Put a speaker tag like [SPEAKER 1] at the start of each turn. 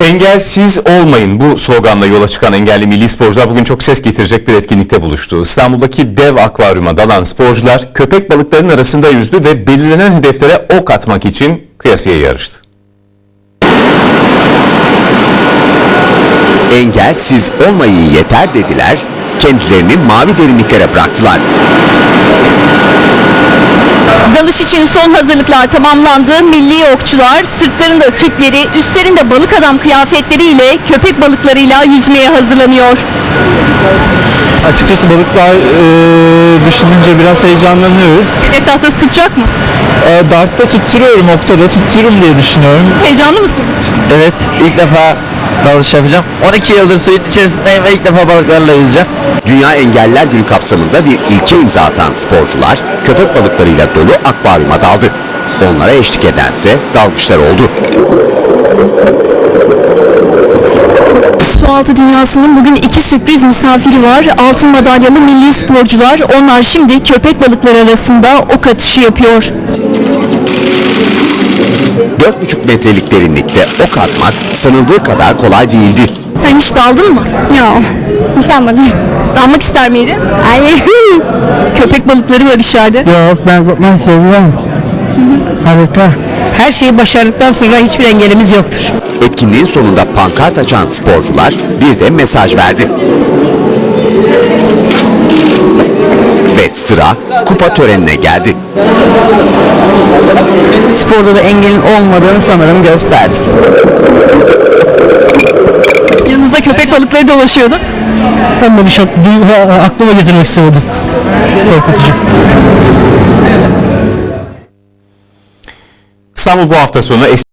[SPEAKER 1] Engelsiz olmayın bu sloganla yola çıkan engelli milli sporcular bugün çok ses getirecek bir etkinlikte buluştu. İstanbul'daki dev akvaryuma dalan sporcular köpek balıklarının arasında yüzdü ve belirlenen hedeflere ok atmak için kıyasıya yarıştı.
[SPEAKER 2] Engelsiz olmayın yeter dediler, kendilerini mavi derinliklere bıraktılar.
[SPEAKER 3] Dalış için son hazırlıklar tamamlandı. Milli okçular sırtlarında tüpleri, üstlerinde balık adam kıyafetleriyle köpek balıklarıyla yüzmeye hazırlanıyor.
[SPEAKER 4] Açıkçası balıklar düşününce biraz heyecanlanıyoruz.
[SPEAKER 3] Hedef tahtası tutacak mı?
[SPEAKER 4] Dart'ta tutturuyorum, oktada tuttururum diye düşünüyorum.
[SPEAKER 3] Heyecanlı mısın?
[SPEAKER 5] Evet, ilk defa dalış yapacağım. 12 yıldır suyun içerisindeyim ve ilk defa balıklarla yüzeceğim.
[SPEAKER 2] Dünya Engelliler Günü kapsamında bir ilke imza atan sporcular köpek balıklarıyla dolu akvaryuma daldı. Onlara eşlik edense dalgıçlar oldu.
[SPEAKER 3] Sualtı dünyasının bugün iki sürpriz misafiri var. Altın madalyalı milli sporcular. Onlar şimdi köpek balıkları arasında ok atışı yapıyor.
[SPEAKER 2] 4,5 metrelik derinlikte ok atmak sanıldığı kadar kolay değildi.
[SPEAKER 3] Sen hiç daldın mı?
[SPEAKER 6] Yok, yapamadım.
[SPEAKER 3] Dalmak ister miydin?
[SPEAKER 6] Hayır.
[SPEAKER 3] Köpek balıkları var içeride.
[SPEAKER 6] Yok, ben seviyorum. Harika. Her şeyi başardıktan sonra hiçbir engelimiz yoktur.
[SPEAKER 2] Etkinliğin sonunda pankart açan sporcular bir de mesaj verdi. Ve sıra kupa törenine geldi.
[SPEAKER 5] Sporda da engelin olmadığını sanırım gösterdik.
[SPEAKER 3] Yanınızda köpek balıkları dolaşıyordu.
[SPEAKER 6] Ben de bir şey aklıma getirmek istemedim. Korkutucu.
[SPEAKER 1] İstanbul bu hafta sonu